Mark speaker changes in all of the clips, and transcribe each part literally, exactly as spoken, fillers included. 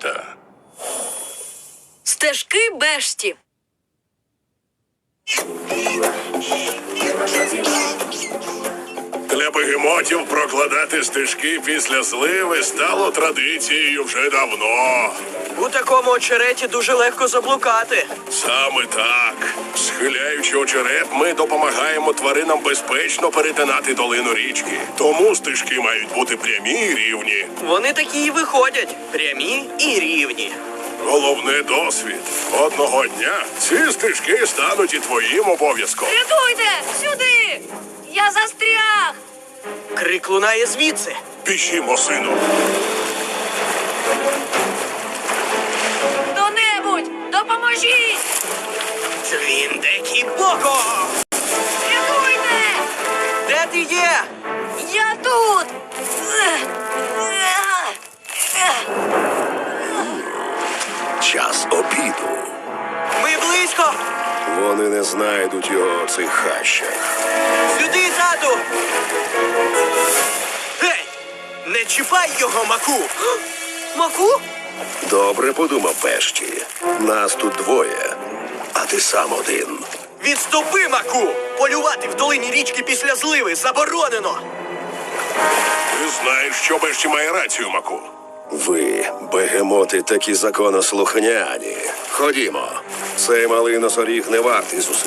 Speaker 1: болота.
Speaker 2: Стежки Бешті.
Speaker 1: Для бегемотів прокладати стежки після зливи стало традицією вже давно.
Speaker 3: У такому очереті дуже легко заблукати.
Speaker 1: Саме так. Схиляючи очерет, ми допомагаємо тваринам безпечно перетинати долину річки. Тому стежки мають бути прямі і рівні.
Speaker 3: Вони такі і виходять. Прямі і рівні.
Speaker 1: Головне — досвід. Одного дня ці стежки стануть і твоїм обов'язком.
Speaker 2: Рятуйте! Сюди! Я застряг!
Speaker 3: Крик лунає звідси.
Speaker 1: Пішімо, сину.
Speaker 2: Хто-небудь! Допоможіть!
Speaker 3: Твіндекі Боко!
Speaker 2: Рятуйте!
Speaker 3: Де ти є?
Speaker 2: Я тут!
Speaker 4: Час обіду.
Speaker 3: Ми близько!
Speaker 4: Вони не знайдуть його в цих хащах.
Speaker 3: Сюди, тату! Гей! Не чіпай його, Маку! Маку?
Speaker 4: Добре подумав Бешті. Нас тут двоє, а ти сам один.
Speaker 3: Відступи, Маку! Полювати в долині річки після зливи заборонено!
Speaker 1: Ти знаєш, що Бешті має рацію, Маку.
Speaker 4: Ви, бегемоти, такі законослухняні. Ходімо. Цей малий носоріг не вартий зусиль.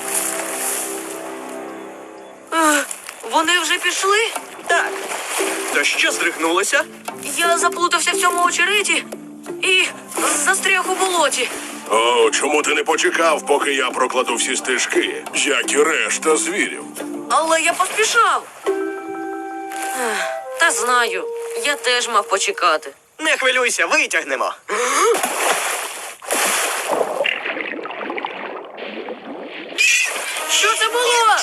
Speaker 2: Вони вже пішли?
Speaker 3: Так. То що здригнулося?
Speaker 2: Я заплутався в цьому очереті і застряг у болоті.
Speaker 1: О, чому ти не почекав, поки я прокладу всі стежки, як і решта звірів?
Speaker 2: Але я поспішав. Ех, Та знаю, я теж мав почекати.
Speaker 3: Не хвилюйся, витягнемо.
Speaker 2: Що це було?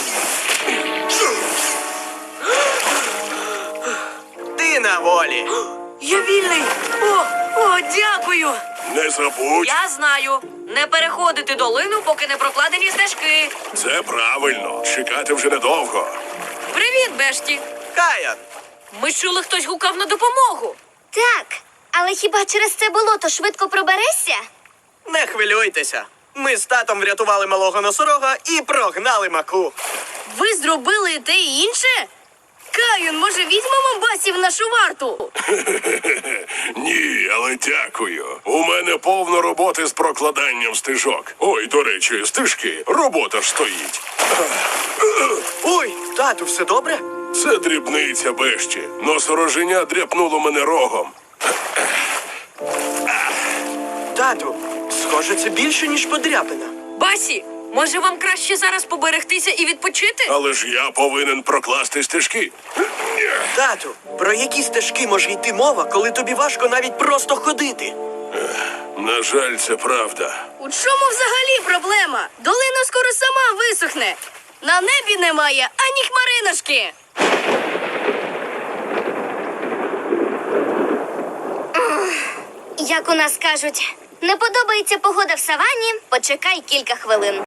Speaker 3: Ти на волі.
Speaker 2: Я вільний. О, о, дякую.
Speaker 1: Не забудь,
Speaker 2: Я знаю. Не переходити долину, поки не прокладені стежки.
Speaker 1: це правильно. Чекати вже недовго.
Speaker 2: Привіт, Бешті.
Speaker 3: Каян,
Speaker 2: Ми чули, хтось гукав на допомогу.
Speaker 5: Так, але хіба через це болото швидко проберешся?
Speaker 3: не хвилюйтеся. Ми з татом врятували малого носорога і прогнали Маку.
Speaker 2: Ви зробили і те і інше? Каюн, може, візьмемо басів в нашу варту?
Speaker 1: Ні, але дякую. У мене повно роботи з прокладанням стежок. Ой, до речі, стежки. Робота ж стоїть.
Speaker 3: Ой, тату, все добре?
Speaker 1: Це дрібниця, Бешті. Носороженя дряпнуло мене рогом.
Speaker 3: Тату, схоже, це більше, ніж подряпина.
Speaker 2: Басі, може вам краще зараз поберегтися і відпочити?
Speaker 1: Але ж я повинен прокласти стежки.
Speaker 3: Тату, про які стежки може йти мова, коли тобі важко навіть просто ходити?
Speaker 1: На жаль, це правда.
Speaker 2: У чому взагалі проблема? Долина скоро сама висохне. На небі немає ані хмариночки.
Speaker 5: Як у нас кажуть, не подобається погода в савані, почекай кілька хвилин.